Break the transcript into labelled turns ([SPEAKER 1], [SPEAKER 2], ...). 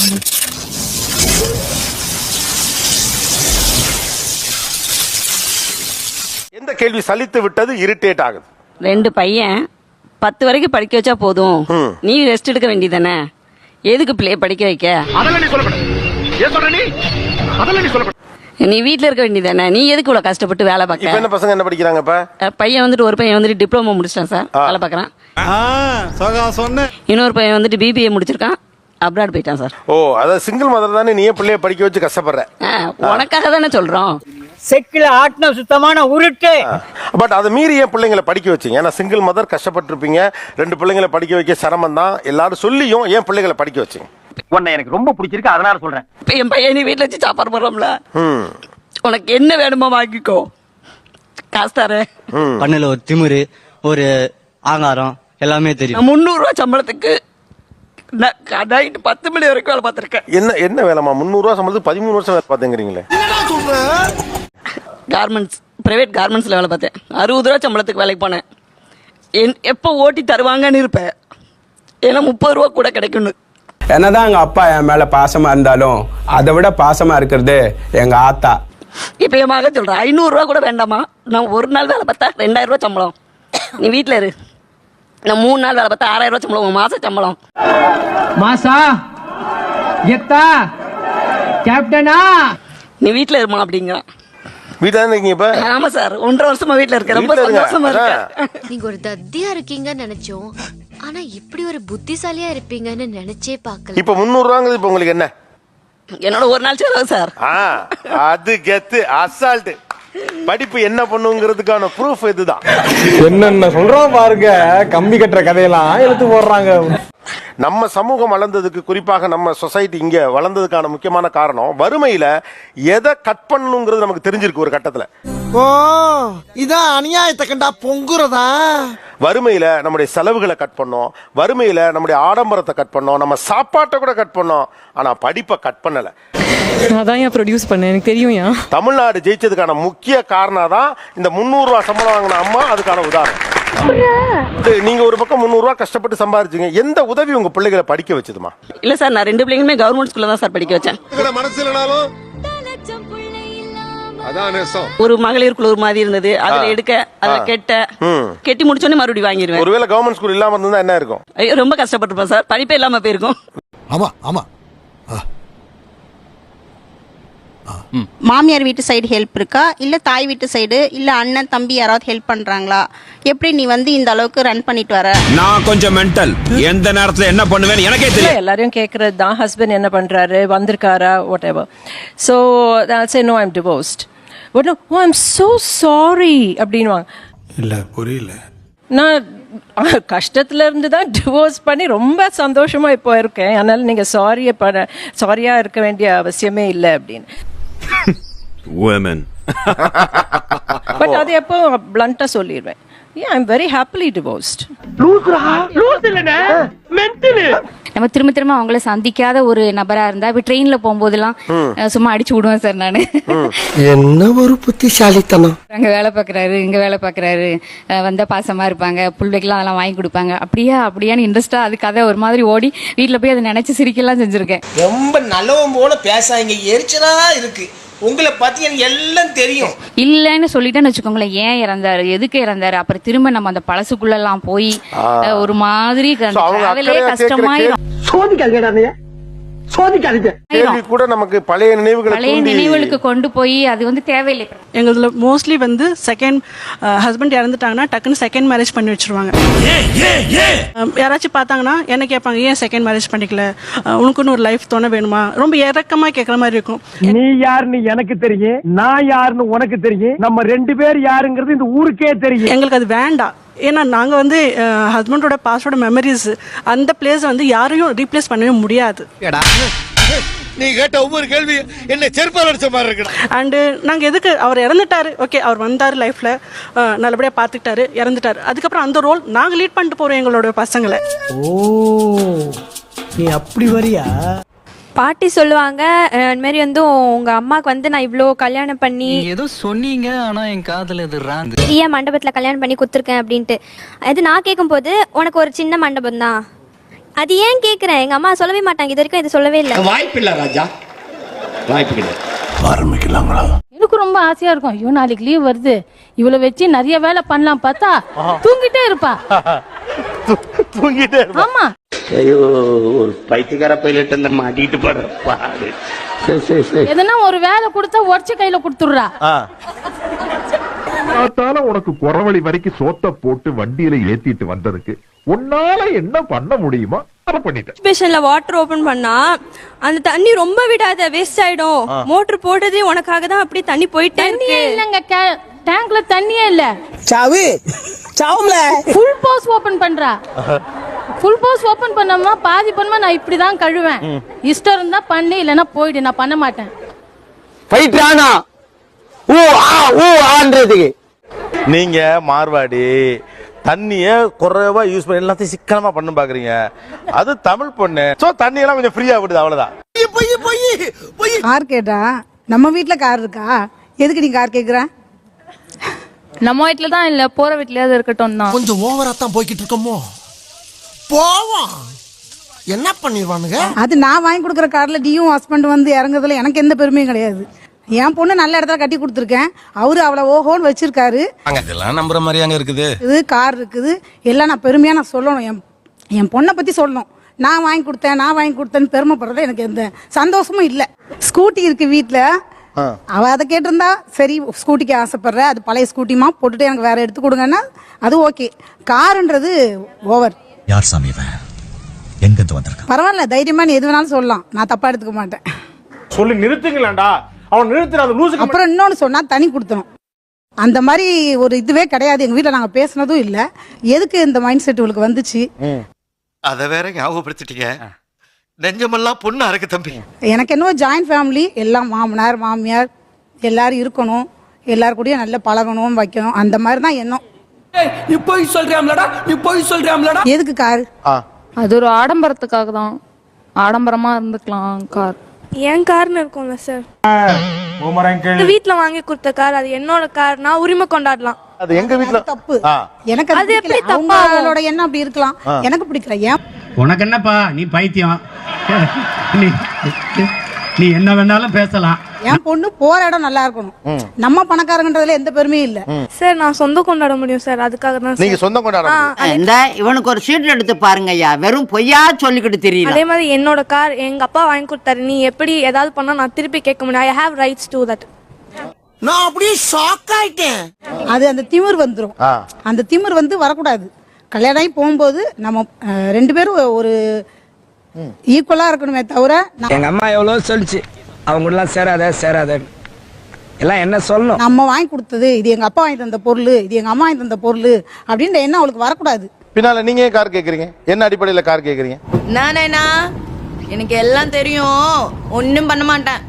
[SPEAKER 1] எந்த கேள்வி சலித்து விட்டது, இரிட்டேட் ஆகுது?
[SPEAKER 2] 2 பையன் 10 வரைக்கும் படிக்க வச்சா போதும், நீ ரெஸ்ட் எடுக்க வேண்டியதானே, எதுக்கு பிள்ளைய படிக்க வைக்க?
[SPEAKER 1] அதெல்லாம் நீ சொல்லப்பட. ஏன் சொல்ற நீ? அதெல்லாம் நீ சொல்லப்பட.
[SPEAKER 2] நீ வீட்ல இருக்க வேண்டியதானே, நீ எதுக்கு இவ்வளவு கஷ்டப்பட்டு வேலை பார்க்க?
[SPEAKER 1] இப்ப என்ன பசங்க என்ன படிக்கிறாங்க இப்ப?
[SPEAKER 2] பையன் வந்துட்டு ஒரு பையன் வந்துட்டு டிப்ளமோ முடிச்சிட்டான் சார், வேலை பார்க்கறான். இன்னொரு பையன் வந்துட்டு பிபிஏ முடிச்சிருக்கான், அப்ராட் போயிட்டான் சார்.
[SPEAKER 1] ஓ, அதாவது சிங்கிள் மதர் தானே, நீ பிள்ளைய படிக்க வச்சு கஷ்டப்படுற?
[SPEAKER 2] உனக்காக தானே சொல்றோம்.
[SPEAKER 3] செக்கில ஆட்டின சுத்தமான உருட்டு.
[SPEAKER 1] பட் அதை மீறி ஏன் பிள்ளைங்களை படிக்க வச்சீங்க? ஏன்னா சிங்கிள் மதர் கஷ்டப்பட்டு இருப்பீங்க, 2 பிள்ளைங்களை படிக்க வைக்க சிரமம் தான் எல்லாரும் சொல்லியும் ஏன் பிள்ளைங்களை படிக்க வச்சீங்க?
[SPEAKER 3] உன்னை எனக்கு ரொம்ப பிடிச்சிருக்கு, அதனால சொல்றேன்.
[SPEAKER 2] இப்ப என் பையன் நீ வீட்டுல வச்சு சாப்பாடு போடுறோம்ல, உனக்கு என்ன வேணுமோ வாங்கிக்கோ, காசு தரேன்.
[SPEAKER 4] பண்ணல ஒரு திமிரு, ஒரு ஆங்காரம் எல்லாமே தெரியும்.
[SPEAKER 2] 300 ரூபாய் சம்பளத்துக்கு நைட்டு 10 மணி வரைக்கும் வேலை பார்த்திருக்கேன்.
[SPEAKER 1] என்ன வேலைமா? 300 ரூபாய் சம்பளத்துக்கு 13 வருஷம் வேலை பார்த்தேங்கிறீங்களே?
[SPEAKER 2] கார்மெண்ட்ஸ், பிரைவேட் கார்மெண்ட்ஸ்ல வேலை பார்த்தேன். 60 ரூபாய் சம்பளத்துக்கு வேலைக்கு போனேன். எப்போ ஓட்டி தருவாங்கன்னு இருப்பேன், ஏன்னா 30 ரூபா கூட கிடைக்கும்னு.
[SPEAKER 5] என்னதான் எங்க அப்பா என் மேல பாசமா இருந்தாலும் அதை விட பாசமா இருக்கிறது எங்க ஆத்தா.
[SPEAKER 2] இப்ப என் மகன் சொல்றேன், 500 ரூபா கூட வேண்டாமா, நான் ஒரு நாள் வேலை பார்த்தா 2000 ரூபாய் சம்பளம், நீ வீட்டுல இரு. நான் 3 நாள் வேலை பார்த்தா 6000 ரூபாய் சம்பளம், மாச சம்பளம்.
[SPEAKER 3] மாசா எத்தா கேப்டனா,
[SPEAKER 2] நீ வீட்டுல இருமா அப்படிங்கிறான்.
[SPEAKER 1] வீட்டுல தான் இருக்கீங்க இப்ப?
[SPEAKER 2] ஆமா சார், 1.5 வருஷமா வீட்டுல இருக்கேன், ரொம்ப சந்தோஷமா இருக்கேன்.
[SPEAKER 6] நீங்க ஒரு தத்தியா இருக்கீங்கன்னு நினைச்சோம், ஆனா இப்படி ஒரு புத்திசாலியா இருப்பீங்கன்னு நினைச்சே பார்க்கல.
[SPEAKER 1] இப்ப 300 ரூபாங்கிறது இப்ப உங்களுக்கு என்ன?
[SPEAKER 2] என்னோட ஒரு நாள் செலவு சார்.
[SPEAKER 1] அது கெத்து, அசால்ட். படிப்பு என்ன பண்ணுங்கிறதுக்கான ப்ரூஃப் இதுதான்.
[SPEAKER 5] என்னென்ன சொல்றோம் பாருங்க, கம்பி கட்டுற கதையெல்லாம் எடுத்து போடுறாங்க.
[SPEAKER 1] நம்ம சமூகம் வளர்ந்ததுக்கு, குறிப்பாக நம்ம சொசைட்டி இங்க வளர்ந்ததுக்கான முக்கியமான காரணம் வறுமையில எதை கட் பண்ணணுங்கிறது நமக்கு தெரிஞ்சிருக்கு ஒரு கட்டத்துல.
[SPEAKER 7] ஓ, இதான் அநியாயத்தை கண்டா பொங்குறதா?
[SPEAKER 1] வறுமையில நம்முடைய செலவுகளை கட் பண்ணோம், வறுமையில நம்முடைய ஆடம்பரத்தை கட் பண்ணோம், நம்ம சாப்பாட்டை கூட கட் பண்ணோம், ஆனா படிப்பை கட் பண்ணல.
[SPEAKER 8] அதான் ஏன் ப்ரொடியூஸ் பண்ணேன், எனக்கு தெரியும்.
[SPEAKER 1] தமிழ்நாடு ஜெயிச்சதுக்கான முக்கிய காரணம் தான் இந்த 300 ரூபாய் சம்பளம் வாங்கின அம்மா, அதுக்கான உதாரணம். நீங்க ஒரு பக்கம் 300 ரூபாய் கஷ்டப்பட்டு சம்பாதிச்சீங்க, எந்த உதவி உங்க பிள்ளைகளை படிக்க வச்சதுமா?
[SPEAKER 2] இல்ல சார், நான் 2 பிள்ளைங்களுமே கவர்மெண்ட் ஸ்கூல்ல தான் சார் படிக்க வச்சேன். ஒரு மகளிர் குழு மாதிரி இருந்தது, அதுல எடுக்க, அதுல கெட்டி முடிச்சோடனே மறுபடியும் வாங்கிடுவேன்.
[SPEAKER 1] ஒருவேளை கவர்மெண்ட் ஸ்கூல் இல்லாம இருந்தா என்ன இருக்கும்?
[SPEAKER 2] ஐயோ, ரொம்ப கஷ்டப்பட்டிருப்பேன் சார், படிப்பே இல்லாம போயிருக்கும்.
[SPEAKER 7] ஆமா ஆமா.
[SPEAKER 9] மாமியார் வீட்டு சைடு ஹெல்ப் இருக்கா, இல்ல தாய் வீட்டு சைடு, இல்ல அண்ணன் தம்பி யாராவது ஹெல்ப் பண்றாங்களா? எப்படி நீ இந்த அளவுக்கு ரன் பண்ணிட்டு வர?
[SPEAKER 10] நான் கொஞ்சம் மென்டல், எந்த நேரத்துல என்ன பண்ணுவேன்னு எனக்கே தெரியல.
[SPEAKER 8] எல்லாரையும் கேக்குறது தான், ஹஸ்பண்ட் என்ன பண்றாரு, வந்திருக்காரா, whatever. So I'll say no, I'm divorced. But no, oh, I'm so sorry அப்படின்வாங்க.
[SPEAKER 7] இல்ல புரியல.
[SPEAKER 8] நான் கஷ்டத்துல இருந்து தான் டிவோர்ஸ் பண்ணி ரொம்ப சந்தோஷமா இப்போ இருக்கேன். அதனால நீங்க சாரியா இருக்க வேண்டிய அவசியமே இல்லை அப்படின்னு. பட் அது எப்போ பிளண்டா சொல்லிடுவேன், yeah, I'm very happily divorced.
[SPEAKER 6] நம்ம திரும்ப அவங்கள சந்திக்காத ஒரு நபரா இருந்தா, இப்ப ட்ரெயின்ல போகும்போதெல்லாம் சும்மா அடிச்சு விடுவேன் சார் நானு.
[SPEAKER 7] என்ன ஒரு புத்திசாலித்தனம்.
[SPEAKER 6] அங்க வேலை பாக்குறாரு, இங்க வேலை பாக்குறாரு, வந்தா பாசமா இருப்பாங்க, புள்ளைக்கெல்லாம் அதெல்லாம் வாங்கி கொடுப்பாங்க, அப்படியான்னு இன்ட்ரெஸ்டா அது கதை ஒரு மாதிரி ஓடி வீட்டுல போய் அதை நினைச்சு சிரிக்கலாம் செஞ்சிருக்கேன்.
[SPEAKER 3] ரொம்ப நல்லவன் போல பேசாங்க, எரிச்சலா இருக்கு. உங்களை பத்தி எனக்கு எல்லாம் தெரியும்.
[SPEAKER 6] இல்லன்னு சொல்லிட்டேன்னு வச்சுக்கோங்களேன், ஏன் இறந்தாரு, எதுக்கு இறந்தாரு, அப்புறம் திரும்ப நம்ம அந்த பழசுக்குள்ள எல்லாம் போய் ஒரு மாதிரி கஷ்டமாயிரும்.
[SPEAKER 1] கூட நமக்கு பழைய
[SPEAKER 2] நினைவுகளுக்கு கொண்டு போய் அது தேவையில்லை. எங்களதுல மோஸ்ட்லி செகண்ட் ஹஸ்பண்ட் இறந்துட்டாங்கன்னா டக்குன்னு செகண்ட் மேரேஜ் பண்ணி வச்சிருவாங்க. யாராச்சும் பார்த்தாங்கன்னா என்ன கேட்பாங்க, ஏன் செகண்ட் மேரேஜ் பண்ணிக்கல, உனக்குன்னு ஒரு லைஃப் தோண வேணுமா? ரொம்ப இறக்கமா கேட்கற மாதிரி இருக்கும்.
[SPEAKER 3] நீ யாருன்னு எனக்கு தெரியும், நான் யாருன்னு உனக்கு தெரியும், நம்ம 2 பேர் யாருங்கிறது இந்த ஊருக்கே தெரியும்.
[SPEAKER 2] எங்களுக்கு அது வேண்டாம். ஏன்னா நாங்கள் ஹஸ்பண்டோட பாஸ்டோட மெமரிஸ், அந்த பிளேஸ் யாரையும் ரீப்ளேஸ் பண்ணவே முடியாது.
[SPEAKER 7] நீ கேட்ட ஒவ்வொரு கேள்வி என்ன செருப்பால் அடிச்ச மாதிரி இருக்கு.
[SPEAKER 2] அண்டு நாங்கள் எதுக்கு, அவர் இறந்துட்டாரு, ஓகே, அவர் வந்தார் லைஃப்ல, நல்லபடியாக பார்த்துக்கிட்டாரு, இறந்துட்டாரு, அதுக்கப்புறம் அந்த ரோல் நாங்கள் லீட் பண்ணிட்டு போகிறோம் எங்களோட பசங்களை.
[SPEAKER 3] ஓ, நீ அப்படி வரியா?
[SPEAKER 6] பாட்டி சொல்லுவாங்க, இந்த மாதிரி உங்க அம்மாக்கு நான் இவ்வளோ கல்யாணம் பண்ணி
[SPEAKER 4] ஏதோ சொன்னீங்க, ஆனா என் காதுல இது ராங்.
[SPEAKER 6] ஏன் மண்டபத்துல கல்யாணம் பண்ணி கொடுத்துருக்கேன் அப்படின்ட்டு. அது நான் கேட்கும் போது, உனக்கு ஒரு சின்ன மண்டபம் தான்,
[SPEAKER 11] அது ஏன் கேக்குறேன், எங்க அம்மா சொல்லவே மாட்டாங்க, இது வரைக்கும் இது சொல்லவே இல்லை.
[SPEAKER 7] வாய்ப்பு இல்ல ராஜா, வாய்ப்பு கிடையாது. ஆரம்பிக்கலாங்களா?
[SPEAKER 6] எனக்கு ரொம்ப ஆசையா இருக்கும், ஐயோ நாளைக்கு லீவ் வருது, இவளை வச்சு நிறைய வேலை பண்ணலாம் பார்த்தா தூங்கிட்டே இருப்பா.
[SPEAKER 1] தூங்கிட்டே
[SPEAKER 6] ஆமா,
[SPEAKER 7] ஐயோ ஒரு பைத்தியக்கார பைலட் அந்த மாட்டிட்டு பாடு.
[SPEAKER 6] எதனா ஒரு வேலை கொடுத்தா உடச்சு கையில கொடுத்துடுறா.
[SPEAKER 3] உனக்கு குறவழி வரைக்கும் சோத்த போட்டு வண்டியில ஏத்திட்டு வந்ததுக்கு உன்னால என்ன பண்ண முடியுமோ அதை பண்ணிட்டேன்.
[SPEAKER 11] பேஷன்ல வாட்டர் ஓபன் பண்ணா அந்த தண்ணி ரொம்ப விடாத, வேஸ்ட் ஆயிடும். மோட்டர் போட்டதே உனக்காக தான், அப்படி தண்ணி போயிட்டே
[SPEAKER 6] தண்ணியே இல்லங்க, டேங்க்ல தண்ணியே இல்ல.
[SPEAKER 8] சாவு சாவுல
[SPEAKER 6] ஃபுல் போஸ் ஓபன் பண்றா. ஃபுல் போஸ் ஓபன் பண்ணோம்னா பாதி பண்ணுமா, நான் இப்படிதான் கழுவேன். இஷ்டம் இருந்தா பண்ணு, இல்லைன்னா போயிடு, நான் பண்ண மாட்டேன்.
[SPEAKER 5] போயிட்டானா ஆன்றதுக்கு
[SPEAKER 1] நீங்க மார்வாடி தண்ணிய குறைவா யூஸ் பண்ணி எல்லாத்தையும் சிக்கனமா பண்ண பாக்குறீங்க. அது தமிழ் பொண்ணு, சோ தண்ணி எல்லாம் கொஞ்சம் ஃப்ரீயா விடுது, அவ்வளவுதான்.
[SPEAKER 2] கார் கேட்டா நம்ம வீட்ல கார் இருக்கா, எதுக்கு நீ கார் கேக்குற?
[SPEAKER 6] நம்ம வீட்டுல தான் இல்ல, போற வீட்லயாவது இருக்கட்டும் தான்.
[SPEAKER 7] கொஞ்சம் ஓவரா தான் போய்கிட்டு இருக்கோமோ. போவோம், என்ன பண்ணிடுவானுங்க?
[SPEAKER 2] அது நான் வாங்கி கொடுக்குற கார்ல நீயும் ஹஸ்பண்ட் வந்து இறங்குறதுல எனக்கு எந்த பெருமையும் கிடையாது. என் பொண்ணு நல்ல இடத்துல கட்டி கொடுத்துருக்கேன், அவரு அவளை ஓஹோன்னு வச்சிருக்காரு.
[SPEAKER 10] இதெல்லாம் நம்புற மாதிரியாங்க இருக்குது.
[SPEAKER 2] இது கார் இருக்குது எல்லாம் நான் பெருமையா நான் சொல்லணும், என் பொண்ணை பத்தி சொல்லணும். நான் வாங்கி கொடுத்தேன்னு பெருமைப்படுறது எனக்கு எந்த சந்தோஷமும் இல்லை. ஸ்கூட்டி இருக்கு வீட்டுல, அவ அதை கேட்டிருந்தா சரி, ஸ்கூட்டிக்கு ஆசைப்படுற, அது பழைய ஸ்கூட்டிமா போட்டுட்டு எனக்கு வேற எடுத்து கொடுங்கன்னா அது ஓகே. காருன்றது ஓவர்.
[SPEAKER 10] யார் சாமி எங்க இருந்து வந்திருக்க?
[SPEAKER 2] பரவாயில்ல, தைரியமா நீ எது வேணாலும் சொல்லலாம், நான் தப்பா எடுத்துக்க மாட்டேன்.
[SPEAKER 3] சொல்லி நிறுத்துங்களேன்டா, அவன் நிறுத்துற அந்த லூசுக்கு.
[SPEAKER 2] அப்புறம் இன்னொன்னு சொன்னா தனி கொடுத்தணும், அந்த மாதிரி ஒரு இதுவே கிடையாது எங்க வீட்டுல, நாங்க பேசினதும் இல்ல. எதுக்கு இந்த மைண்ட் செட் உங்களுக்கு வந்துச்சு?
[SPEAKER 7] அத வேற ஞாபகப்படுத்திட்டீங்க. நெஞ்சமெல்லாம் பொண்ணா இருக்கு தம்பி.
[SPEAKER 2] எனக்கு என்னவோ ஜாயிண்ட் ஃபேமிலி, எல்லாம் மாமனார் மாமியார் எல்லாரும் இருக்கணும், எல்லாரும் கூடயும் நல்லா பழகணும் வைக்கணும், அந்த மாதிரி தான் எண்ணம்.
[SPEAKER 5] நீ போய் சொல்றியாம்லடா.
[SPEAKER 2] எதுக்கு கார்?
[SPEAKER 6] அது ஒரு ஆடம்பரத்துக்காக தான், ஆடம்பரமா இருந்துக்கலாம் கார்.
[SPEAKER 11] என் கார்னு இருக்கும்ல சார், வீட்டுல வாங்கி கொடுத்த கார், அது என்னோட கார், நான் உரிமை கொண்டாடலாம்.
[SPEAKER 1] அது எங்க வீட்டுல
[SPEAKER 2] தப்பு. எனக்கு அது எப்படி தப்பு? அவங்களோட எண்ணம் அப்படி இருக்கலாம், எனக்கு பிடிக்கல. ஏன்
[SPEAKER 3] உனக்கு என்னப்பா, நீ பைத்தியம், நீ என்ன வேணாலும் பேசலாம்.
[SPEAKER 2] என் பொண்ணு போற இடம் நல்லா இருக்கணும், நம்ம பணக்காரங்கன்றதுல எந்த பெருமையும் இல்ல
[SPEAKER 11] சார். நான் சொந்தம் கொண்டாட முடியும் சார், அதுக்காக தான்.
[SPEAKER 1] நீங்க சொந்தம் கொண்டாட
[SPEAKER 8] இந்த இவனுக்கு ஒரு சீட் எடுத்து பாருங்க ஐயா, வெறும் பொய்யா சொல்லிக்கிட்டு தெரியல.
[SPEAKER 11] அதே மாதிரி என்னோட கார் எங்க அப்பா வாங்கி கொடுத்தாரு, நீ எப்படி ஏதாவது பண்ணா நான் திருப்பி கேட்க முடியும். I have rights to that.
[SPEAKER 7] நான் அப்படியே ஷாக் ஆயிட்டேன்.
[SPEAKER 2] அது அந்த திமிர் வந்துரும், அந்த திமிர் வந்து வரக்கூடாது. கல்யாணம் ஆகி போகும்போது நம்ம ரெண்டு பேரும் ஒரு ஈக்குவலா இருக்கணுமே தவிர.
[SPEAKER 5] எங்க அம்மா எவ்வளவு சொல்லிச்சு, அவங்க எல்லாம் சேராத எல்லாம் என்ன சொல்லணும்.
[SPEAKER 2] நம்ம வாங்கி கொடுத்தது, இது எங்க அப்பா வாங்கி தந்த பொருள், இது எங்க அம்மா வாங்கி தந்த பொருள் அப்படின்ற எண்ணம் அவளுக்கு வரக்கூடாது.
[SPEAKER 1] பின்னால நீங்க ஏன் கார் கேக்குறீங்க? என்ன அடிப்படையில கார் கேக்குறீங்க?
[SPEAKER 8] நானேனா எனக்கு எல்லாம் தெரியும், ஒன்னும் பண்ண மாட்டேன்.